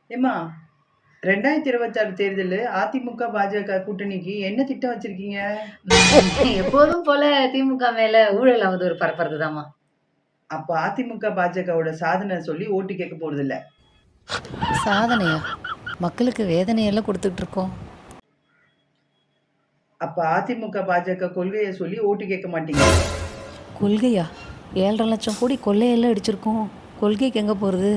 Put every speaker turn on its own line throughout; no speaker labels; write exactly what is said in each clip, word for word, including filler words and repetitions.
ஏம்மா ரெண்டாயிரத்தி இருபத்தாறு தேர்தல் அதிமுக பாஜக கூட்டணிக்கு என்ன திட்டம் வச்சிருக்கீங்க?
எப்போதும் போல திமுக மேல ஊழல் அவதூறு பரப்புறதுதாம்மா.
அப்ப அதிமுக பாஜகவோட சாதனை சொல்லி ஓட்டு கேட்க போறது இல்ல.
சாதனையா? மக்களுக்கு வேதனையெல்லாம் கொடுத்துட்டு இருக்கோம்.
அப்ப அதிமுக பாஜக கொள்கையை சொல்லி ஓட்டு கேட்க மாட்டீங்க.
கொள்கையா? ஏழரை லட்சம் கோடி கொள்ளையெல்லாம் அடிச்சிருக்கோம். கொள்கைக்கு எங்க போறது?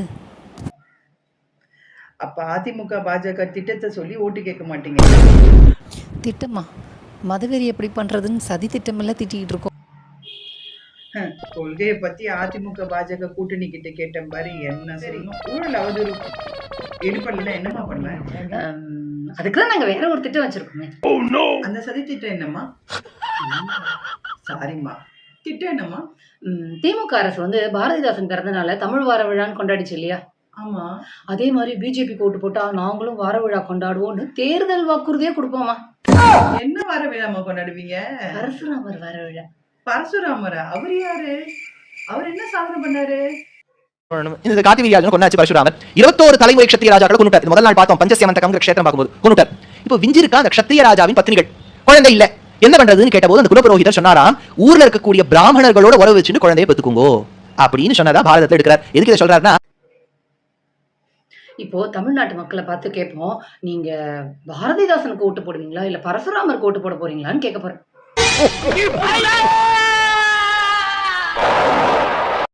அப்ப அதிமுக பாஜக திட்டத்தை சொல்லி ஓட்டு கேட்க மாட்டீங்க.
திட்டமா? மதவெறி எப்படி பண்றதுன்னு சதி திட்டமெல்லாம் திட்டிக்கிட்டு இருக்கோம்.
ஹம், கொள்கையை பத்தி அதிமுக பாஜக கூட்டணி கிட்ட கேட்டேன் பாரு, என்ன செய்யணும்? ஊழல் அவதூறு எடுப்படலாம் என்னம்மா பண்ணுவேன்?
ஆம், அதுக்குதான் நாங்க வேற ஒரு திட்டம் வச்சிருக்கோமே.
அந்த சதி திட்டம் என்னம்மா? சாரிம்மா, திட்டம் என்னம்மா?
ம், திமுக அரசு வந்து பாரதிதாசன் பிறந்தனால தமிழ் வார விழான்னு கொண்டாடிச்சு இல்லையா?
ஆமா.
அதே மாதிரி பிஜேபி ஓட்டு போட்டா நாங்களும் வார விழா கொண்டாடுவோம்னு தேர்தல் வாக்குறுதியே கொடுப்போமா.
என்ன வர விழாமா கொண்டாடுவீங்க?
பரசுராமர் வார விழா.
பரசுராமரா? அவர் யாரு? அவர் என்ன சாதனை பண்ணாரு?
இந்த காட்டி வீரியாஜன் கொண்டாச்சு பரசுராமர். இருபத்தோரு தலைமுறை க்ஷத்திரிய ராஜாக்களை கொண்டுட்டார். முதல் நாள் பார்த்தோம் பஞ்சசியமந்தகம் க்ஷேத்திரம் பார்க்கும்போது கொண்டுட்டார். இப்போ விஞ்சிருக்கா அந்த க்ஷத்திரிய ராஜாவின் பத்னிகள். குழந்தை இல்ல, என்ன பண்றதுன்னு கேட்டபோது அந்த குலபுரோகிதர் சொன்னாராம், ஊர்ல இருக்கக்கூடிய பிராமணர்களோட உறவு வச்சுட்டு குழந்தையை பெத்துக்குங்கோ அப்படின்னு சொன்னதா பாரதத்துல எடுக்கிறார். எதுக்கு இதை சொல்றாருன்னா,
இப்போ தமிழ்நாட்டு மக்களை பார்த்து கேட்போம், நீங்க பாரதிதாசனுக்கு ஓட்டு போடுவீங்களா இல்ல பரசுராமருக்கு ஓட்டு போட போறீங்களான்னு கேட்க போறேன்.